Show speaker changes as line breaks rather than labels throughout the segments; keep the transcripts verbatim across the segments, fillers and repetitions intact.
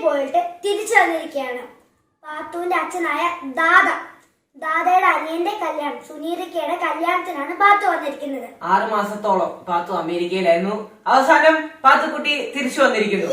പോയിട്ട് തിരിച്ചു വന്നിരിക്കുകയാണ്. പാത്തുവിന്റെ അച്ഛനായ ദാദ ദാദയുടെ അനിയന്റെ കല്യാണം, സുനീറിക്കയുടെ കല്യാണത്തിനാണ് പാത്തു വന്നിരിക്കുന്നത്.
ആറ് മാസത്തോളം പാത്തു അമേരിക്കയിലായിരുന്നു. അവസാനം പാത്തുക്കുട്ടി തിരിച്ചു വന്നിരിക്കുന്നു.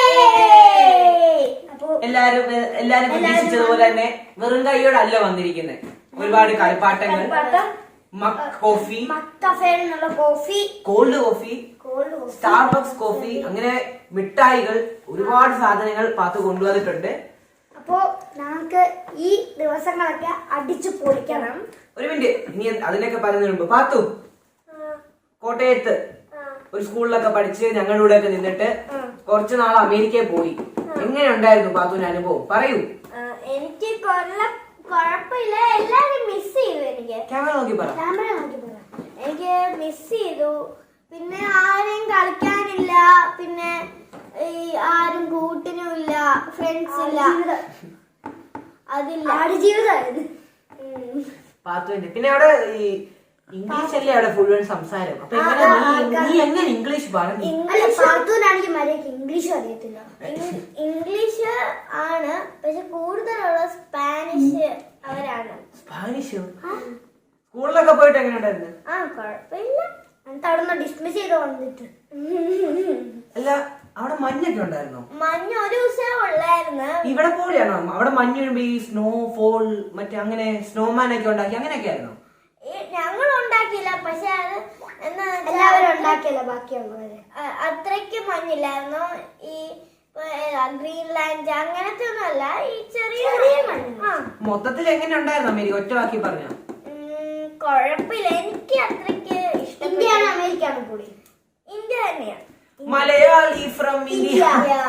അപ്പൊ
എല്ലാരും എല്ലാരും പ്രതീക്ഷിച്ചതുപോലെ തന്നെ വെറും കൈയോടല്ല വന്നിരിക്കുന്നത്. ഒരുപാട് കളിപ്പാട്ടങ്ങൾ, mug coffee,
coffee,
cold coffee, Starbucks coffee, അങ്ങനെ മിഠായികൾ, ഒരുപാട് സാധനങ്ങൾ പാത്തു കൊണ്ടുവന്നിട്ടുണ്ട്.
അപ്പോ നമുക്ക് ഈ ദിവസങ്ങളൊക്കെ അടിച്ചു പൊളിക്കണം.
ഒരു മിനിറ്റ്, ഇനി അതിനൊക്കെ പറയുന്നതിന് മുമ്പ് പാത്തു കോട്ടയത്ത് ഒരു സ്കൂളിലൊക്കെ പഠിച്ച് ഞങ്ങളുടെ കൂടെ ഒക്കെ നിന്നിട്ട് കുറച്ചു നാൾ അമേരിക്കയിൽ പോയി. എങ്ങനെ ഉണ്ടായിരുന്നു പാത്തുവിന്റെ അനുഭവം? പറയൂ.
എനിക്ക് കുഴപ്പമില്ല, എല്ലാരും മിസ് ചെയ്തു. എനിക്ക്
ക്യാമറ നോക്കി പറ.
ക്യാമറ നോക്കി പറ. എനിക്ക് മിസ് ചെയ്തു. പിന്നെ ആരെയും കളിക്കാനില്ല, പിന്നെ ഈ ആരും കൂട്ടിനും ഇല്ല, ഫ്രണ്ട്സ് ഇല്ല, അതില്ല. ആടുജീവിതമായിരുന്നു
പാത്തുവിന്റെ. പിന്നെ അവിടെ ഈ ഇംഗ്ലീഷ് അല്ലേ അവിടെ മുഴുവൻ സംസാരം. അപ്പൊ നീ എങ്ങനെ ഇംഗ്ലീഷ് പറഞ്ഞു?
പാത്തുവിനാണെങ്കിൽ മര്യാദക്ക് ഇംഗ്ലീഷും അറിയത്തില്ല. ഇംഗ്ലീഷ് ആണ്, പക്ഷെ കൂടുതലുള്ള സ്പാനിഷ് അവരാണ്.
സ്പാനിഷ് സ്കൂളിലൊക്കെ പോയിട്ട് എങ്ങനെ ഉണ്ടായിരുന്നു?
ആ കുഴപ്പമില്ല, എന്നിട്ട് അവിടെ നിന്ന് ഡിസ്മിസ് ചെയ്ത് വന്നിട്ട്.
അല്ല, അവിടെ മഞ്ഞൊക്കെ ഉണ്ടായിരുന്നോ?
മഞ്ഞ് ഒരു ദിവസം ഉള്ളായിരുന്നു.
ഇവിടെ പോലെയാണോ? അവിടെ മഞ്ഞ് വീഴുമ്പോ ഈ സ്നോ ഫോൾ മറ്റേ അങ്ങനെ സ്നോമാൻ ഒക്കെ ഉണ്ടാക്കി അങ്ങനെയൊക്കെ ആയിരുന്നോ?
ഞങ്ങൾ ഉണ്ടാക്കിയില്ല, പക്ഷെ അത് എല്ലാവരും ഉണ്ടാക്കിയല്ല, ബാക്കിയുള്ളവര്. അത്രയ്ക്ക് മഞ്ഞില്ലായിരുന്നു. ഈ ഗ്രീൻലാൻഡ് അങ്ങനത്തെ ഒന്നും അല്ല, ഈ ചെറിയ ചെറിയ മഞ്ഞ്.
മൊത്തത്തിൽ എങ്ങനെ ഉണ്ടായിരുന്നു അമേരിക്ക? ഒറ്റ വാക്കി പറഞ്ഞോ.
കൊഴപ്പില്ല, എനിക്ക് അത്രയ്ക്ക് ഇഷ്ടം. ഇന്ത്യയാണ് അമേരിക്കയാണ് കൂടി? ഇന്ത്യ തന്നെയാണ്.
Malayali from India.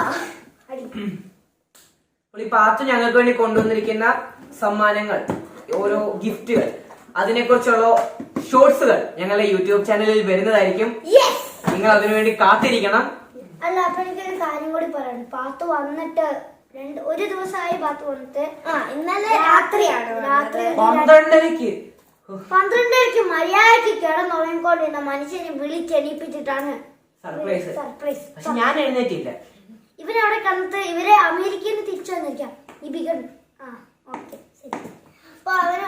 പാത്തു ഞങ്ങൾക്ക് വേണ്ടി കൊണ്ടുവന്നിരിക്കുന്ന സമ്മാനങ്ങൾ, ഓരോ ഗിഫ്റ്റുകൾ, അതിനെ കുറിച്ചുള്ള ഷോർട്സുകൾ ഞങ്ങളുടെ യൂട്യൂബ് ചാനലിൽ വരുന്നതായിരിക്കും. നിങ്ങൾ അതിനുവേണ്ടി കാത്തിരിക്കണം.
അല്ല, അപ്പൊ എനിക്കൊരു കാര്യം കൂടി പറയണം. പാത്തു വന്നിട്ട് രണ്ട് ഒരു ദിവസമായി. പാത്തു വന്നിട്ട് ഇന്നലെ രാത്രിയാണ്, രാത്രി
പന്ത്രണ്ടരക്ക്
പന്ത്രണ്ടരക്ക് മര്യാദക്ക് കിടന്നുറങ്ങിക്കൊണ്ടിരുന്ന മനുഷ്യനെ വിളിച്ചെണീപ്പിച്ചിട്ടാണ്
സർപ്രൈസ്.
സർപ്രൈസ്.
പക്ഷെ ഞാൻ എഴുന്നേറ്റില്ല.
ഇവരവിടെ കണ്ടിട്ട് ഇവരെ അമേരിക്കയിൽ നിന്ന് തിരിച്ചു വന്നിരിക്കാം. ഈ ബിഗൺ ആ ഓക്കെ ശരി. അപ്പൊ അവന്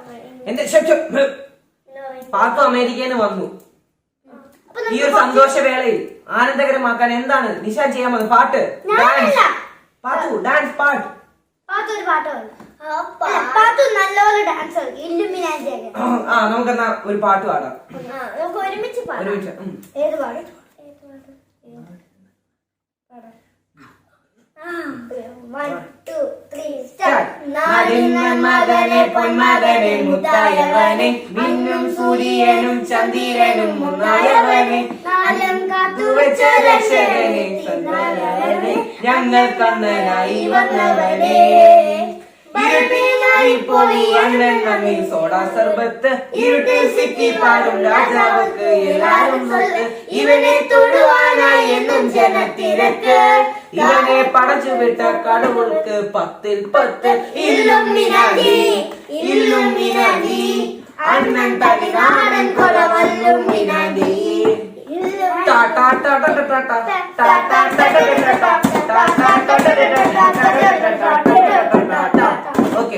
പാത്തു അമേരിക്കയിൽ നിന്ന് വന്നു. ഈ ഒരു സന്തോഷവേളയിൽ ആനന്ദകരമാക്കാൻ എന്താണ് നിഷാൻ ചെയ്യാൻ വന്നത്? പാട്ട്, ഡാൻസ്. പാത്തു ഡാൻസ് പാട്ട്.
പാത്തു ഒരു പാട്ട് പാത്തു നല്ലപോലെ ഡാൻസ് കളിക്കും. ഇല്ലുമിനാറ്റി.
ആ, നമുക്കെന്നാ ഒരു പാട്ട് പാടാം.
നമുക്ക് ഒരുമിച്ച് പാടാം.
ഒരുമിച്ച്.
ഏത് പാടും?
മകനെ പൊന്മകനെ മുത്തായവനെ മിന്നും സൂര്യനും ചന്ദ്രനും മുന്നായവനെ നാലം കാത്തുവച്ച രക്ഷകനെ സന്താനവനെ ഞങ്ങൾ കണ്ണനായി വന്നവനെ ഇരുട്ടിനായി പോയി അണ്ണൻ നമ്മി സോഡ സർബത്ത് ഇരുട്ടിൽ സിറ്റി പാടും രാജാവക്ക് എല്ലാരും സ്വത്ത് ഇവനെ തൊടുവാനായി എന്നും ജനത്തിരക്ക് ഇവനെ പടച്ചു വിട്ട കടവുൾക്ക് പത്തിൽ പത്ത് ഇല്ലുമിനാറ്റി ഇല്ലുമിനാറ്റി അണ്ണൻ തനിനാടൻ കൊലവല്ലുമിനാറ്റി ഓക്കെ.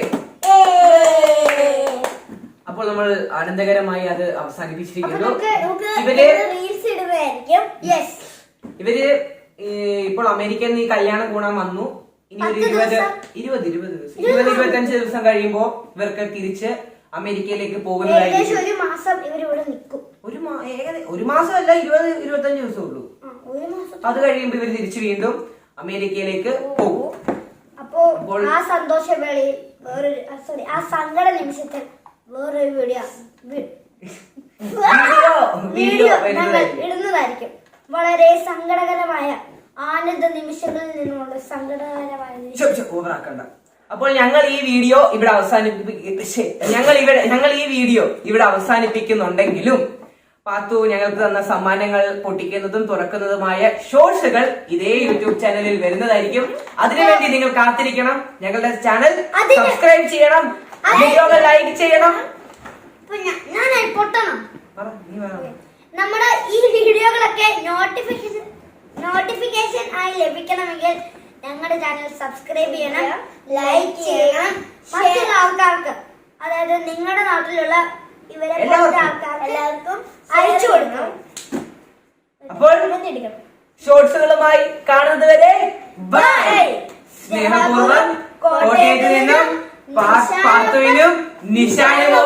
അപ്പോൾ നമ്മൾ ആനന്ദകരമായി അത് അവസാനിപ്പിച്ചിരിക്കുന്നു. ഇവര് ഇവര് ഇപ്പോൾ അമേരിക്കയിൽ നിന്ന് ഈ കല്യാണം കൂടാൻ വന്നു. ഇനി ഒരു ഇരുപത് ഇരുപത് ഇരുപത് ദിവസം ഇരുപത് ഇരുപത്തഞ്ച് ദിവസം കഴിയുമ്പോ ഇവർക്ക് തിരിച്ച് അമേരിക്കയിലേക്ക് പോകുന്നതായിരിക്കും.
ഒരു മാസം ഇവരിവിടെ നിൽക്കും.
ഒരു ഒരു മാസമല്ല, ഇരുപത് ഇരുപത്തഞ്ച് ദിവസം ഉള്ളൂ. അത് കഴിയുമ്പോ ഇവർ തിരിച്ചു വീണ്ടും അമേരിക്കയിലേക്ക് പോകും.
അപ്പോൾ ആ സന്തോഷവേളയിൽ വേറൊരു സോറി ആ സങ്കട നിമിഷത്തിൽ വേറൊരു വീഡിയോ വീഡിയോ ഇടുന്നതായിരിക്കും. വളരെ സങ്കടകരമായ ആനന്ദ നിമിഷങ്ങളിൽ നിന്നുമുള്ള സങ്കടകരമായ
ഓവറാക്കണ്ട. അപ്പോൾ ഞങ്ങൾ ഈ വീഡിയോ ഇവിടെ അവസാനിപ്പി ഞങ്ങൾ ഇവിടെ ഞങ്ങൾ ഈ വീഡിയോ ഇവിടെ അവസാനിപ്പിക്കുന്നുണ്ടെങ്കിലും പാത്തു ഞങ്ങൾക്ക് തന്ന സമ്മാനങ്ങൾ പൊട്ടിക്കുന്നതും തുറക്കുന്നതുമായ ഷോർട്സുകൾ ഇതേ യൂട്യൂബ് ചാനലിൽ വരുന്നതായിരിക്കും. അതിനുവേണ്ടി നിങ്ങൾ കാത്തിരിക്കണം. ഞങ്ങളുടെ ചാനൽ സബ്സ്ക്രൈബ് ചെയ്യണം, വീഡിയോകൾ ലൈക്ക് ചെയ്യണം.
നമ്മുടെ ഈ വീഡിയോകളൊക്കെ നോട്ടിഫിക്കേഷൻ നോട്ടിഫിക്കേഷൻ ആയി ലഭിക്കണമെങ്കിൽ ഞങ്ങളുടെ ചാനൽ സബ്സ്ക്രൈബ് ചെയ്യണം, ലൈക്ക് ചെയ്യണം, മറ്റുള്ള ആൾക്കാർക്ക്, അതായത് നിങ്ങളുടെ നാട്ടിലുള്ള ഇവരെ പോലത്തെ ആൾക്കാർക്ക് എല്ലാവർക്കും അയച്ചു കൊടുക്കണം.
അപ്പോൾ ഷോർട്സുകളുമായി കാണുന്നത് വരെ ബൈ. സ്നേഹപൂർവ്വം കോട്ടയത്ത് നിന്നും പാത്തുവിനും നിഷാനും